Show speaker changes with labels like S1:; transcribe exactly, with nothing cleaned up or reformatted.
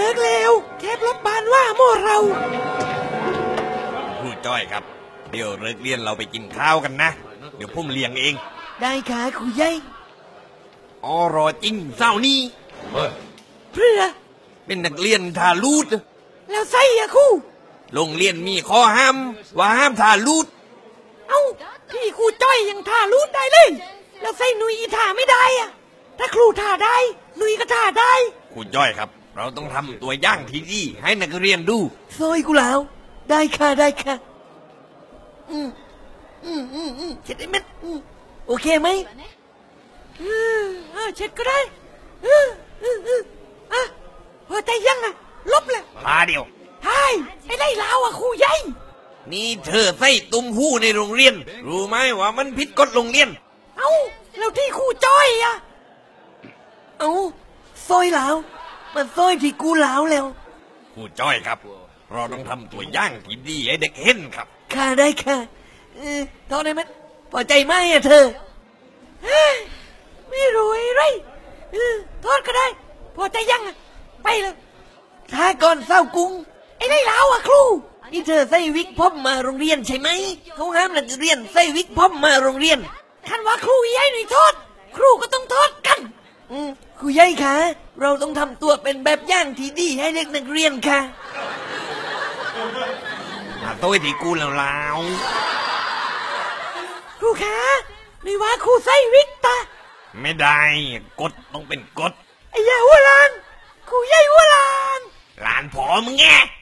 S1: ลิกแล้วแคบรถบานว่าโม่เรา
S2: ครูจ้อยครับเดี๋ยวเลิกเรียนเราไปกินข้าวกันนะเดี๋ยวพุ่มเลี้ยงเอง
S1: ได้ค่ะครูใหญ่
S2: อ๋อรอจริงเศร้านี่
S1: เพื่อ
S2: เป็นนักเรียนทาลูด
S1: แล้วไส้อะครู
S2: โรงเรียนมีข้อห้ามว่าห้ามทาลูด
S1: เอ้าพี่ครูจ้อยยังทาลูดได้เลยแล้วไส้หนุยทาไม่ได้อะถ้าครูทาได้หนุยก็ทาได้
S2: ครูจ้อยครับเราต้องทำตัวอย่างที่ดีให้นักเรียนดู
S1: ซอยกูแล้วได้ค่ะได้ค่ะอืมอืมอืมอืมเช็ดได้ไหมโอเคไหมอืมอ่าเช็ดก็ได้อืมอืมอืมอ่ะพอใจยังอ่ะลบเลย
S2: พาเดียว
S1: ใช่ไอ้ไล่ลาวอ่ะครูใหญ่
S2: นี่เธอใส่ตุ้มหู้ในโรงเรียนรู้ไหมว่ามันผิดกฎโรงเรียน
S1: เอ้าแล้วที่ครูจ้อยอ่ะเอ้าซอยลาวมันซอยที่กูลาวแล้ว
S2: ครูจ้อยครับเราต้องทำตัวอย่างที่ดีให้เด็กเห็นครับ
S1: ค่ะได้ค่ะเออตอนนี้มันพอใจไหมอ่ะเธอไม่รู้อะไรเออทอดก็ได้พอใจยังอ่ะไปเลยถ้าก่อนเศร้ากุ้งไอ้ไล่ลาวอ่ะครูนี่เธอใส่วิกผมมาโรงเรียนใช่ไหมเขาห้ามนักเรียนใส่วิกผมมาโรงเรียนคันว่าครูยัยหน่อยโทษครูก็ต้องโทษกันอืมครูยัยคะเราต้องทำตัวเป็นแบบอย่างที่ดีให้เด็กนักเรียนค่ะ
S2: มาโต้ที่กูแล้วลาว
S1: ครูคะนี่ว่าครูใส่วิกตา
S2: ไม่ได้กฎต้องเป็นกฎ
S1: ไอ้ยาหัวลานครูยัยหัวลาน
S2: หลานผอมึงแง